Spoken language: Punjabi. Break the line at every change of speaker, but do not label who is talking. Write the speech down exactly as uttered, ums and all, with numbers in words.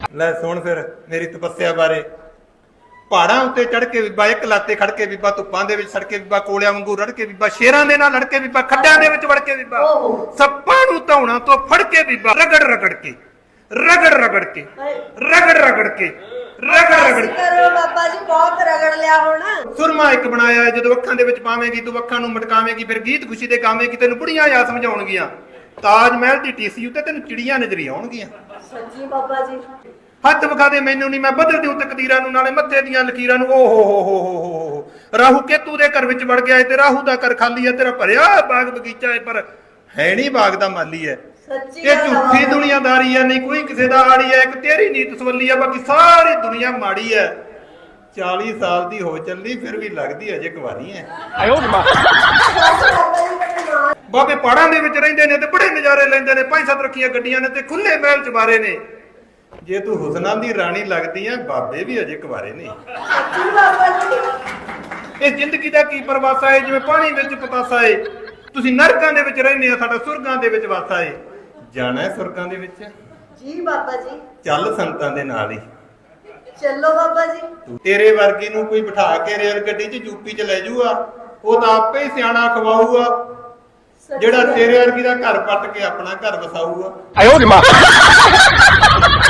ਲੈ ਸੁਣ ਫਿਰ ਮੇਰੀ ਤਪੱਸਿਆ ਬਾਰੇ। ਪਹਾੜਾਂ ਉੱਤੇ ਚੜ ਕੇ ਬੀਬਾ ਇੱਕ ਲਾਤੇ ਖੜ ਕੇ ਬੀਬਾ, ਧੁੱਪਾਂ ਦੇ ਵਿੱਚ ਸੜ ਕੇ ਬੀਬਾ, ਕੋਲਿਆਂ ਵਾਂਗੂ ਰੜ ਕੇ ਬੀਬਾ, ਸ਼ੇਰਾਂ ਦੇ ਨਾਲ ਲੜ ਕੇ ਬੀਬਾ, ਖੱਡਾਂ ਦੇ ਵਿੱਚ ਵੜ ਕੇ ਬੀਬਾ, ਸੱਪਾਂ ਨੂੰ ਧੌਣਾ ਤੋਂ ਫੜ ਕੇ ਬੀਬਾ, ਰਗੜ ਰਗੜ ਕੇ ਰਗੜ ਰਗੜ ਕੇ ਰਗੜ ਰਗੜ ਕੇ ਰਗੜ ਰਗੜ
ਕਰੋ ਬਾਬਾ ਜੀ, ਬਹੁਤ ਰਗੜ ਲਿਆ ਹੁਣ।
ਸੁਰਮਾ ਇੱਕ ਬਣਾਇਆ ਹੈ, ਜਦੋਂ ਅੱਖਾਂ ਦੇ ਵਿੱਚ ਪਾਵੇਂਗੀ ਤੂੰ ਅੱਖਾਂ ਨੂੰ ਮਟਕਾਵੇਂਗੀ, ਫਿਰ ਗੀਤ ਖੁਸ਼ੀ ਦੇ ਗਾਵੇਂਗੀ, ਤੈਨੂੰ ਬੁੜੀਆਂ ਯਾਦ ਸਮਝਾਉਣਗੀਆਂ। ਤਾਜ ਮਹਿਲ ਦੀ ਟੀਸੀ ਉੱਤੇ ਤੈਨੂੰ ਚਿੜੀਆਂ ਨਜ਼ਰੀ ਆਉਣਗੀਆਂ।
ਸੱਚੀ ਬਾਬਾ ਜੀ।
ਹੱਥ ਵਿਖਾ ਦੇ ਮੈਨੂੰ ਨਹੀਂ, ਮੈਂ ਬਦਲ ਦਿਉ ਤਕਦੀਰਾਂ ਨੂੰ, ਨਾਲੇ ਮੱਥੇ ਦੀਆਂ ਲਕੀਰਾਂ ਨੂੰ। ਓ ਹੋ ਹੋ ਹੋ ਹੋ ਰਾਹੂ ਕੇਤੂ ਦੇ ਘਰ ਵਿੱਚ ਵੜ ਗਿਆ ਏ, ਤੇ ਰਾਹੂ ਦਾ ਘਰ ਖਾਲੀ ਹੈ, ਤੇਰਾ ਭਰਿਆ ਬਾਗ ਬਗੀਚਾ ਹੈ, ਪਰ ਹੈ ਨਹੀਂ ਬਾਗ ਦਾ ਮਾਲੀ ਹੈ। ਇਹ ਝੂਠੀ ਦੁਨੀਆਦਾਰੀ ਹੈ, ਨਹੀਂ ਕੋਈ ਕਿਸੇ ਦਾ ਆੜੀ ਹੈ, ਇੱਕ ਤੇਰੀ ਨੀਤ ਸਵੱਲੀ ਹੈ, ਬਾਕੀ ਸਾਰੀ ਦੁਨੀਆ ਮਾੜੀ ਹੈ। ਚਾਲੀ ਸਾਲ ਦੀ ਹੋ ਚੱਲੀ ਫਿਰ ਵੀ ਲੱਗਦੀ ਅਜੇ ਕੁਵਾਰੀ ਹੈ। ਬਾਬੇ ਪਹਾੜਾਂ ਦੇ ਵਿੱਚ ਰਹਿੰਦੇ ਨੇ ਤੇ ਬੜੇ ਨਜ਼ਾਰੇ ਲੈਂਦੇ ਨੇ, ਪੰਜ ਸੱਤ ਰੱਖੀਆਂ ਗੱਡੀਆਂ ਨੇ ਤੇ ਖੁੱਲੇ ਮਹਿਲ ਚਬਾਰੇ ਨੇ। ਜੇ ਤੂੰ ਹੁਸਨਾਂ ਦੀ ਰਾਣੀ ਲੱਗਦੀ ਹੈ, ਬਾਬੇ ਵੀ ਅਜੇ ਕੁਵਾਰੇ ਨੇ। ਇਹ ਜ਼ਿੰਦਗੀ ਦਾ ਕੀ ਪਰਵਾਸਾ ਹੈ, ਜਿਵੇਂ ਪਾਣੀ ਵਿੱਚ ਪਤਾਸਾ ਹੈ। ਤੁਸੀਂ ਨਰਕਾਂ ਦੇ ਵਿੱਚ ਰਹਿੰਦੇ ਆ, ਸਾਡਾ ਸੁਰਗਾਂ ਦੇ ਵਿੱਚ ਵਾਸਾ ਹੈ। ਜਾਣਾ ਹੈ ਸੁਰਗਾਂ ਦੇ ਵਿੱਚ?
ਜੀ ਬਾਬਾ ਜੀ।
ਚੱਲ ਸੰਤਾਂ ਦੇ ਨਾਲ ਹੀ
ਚੱਲੋ ਬਾਬਾ ਜੀ।
ਤੇਰੇ ਵਰਗੀ ਨੂੰ ਕੋਈ ਬਿਠਾ ਕੇ ਰੇਲ ਗੱਡੀ 'ਚ ਯੂਪੀ 'ਚ ਲੈ ਜਾਊਗਾ, ਉਹ ਤਾਂ ਆਪੇ ਹੀ ਸਿਆਣਾ ਖਵਾਊਗਾ, ਜਿਹੜਾ ਤੇਰੇ ਵਰਗੀ ਦਾ ਘਰ ਪੱਟ ਕੇ ਆਪਣਾ ਘਰ ਵਸਾਊਗਾ।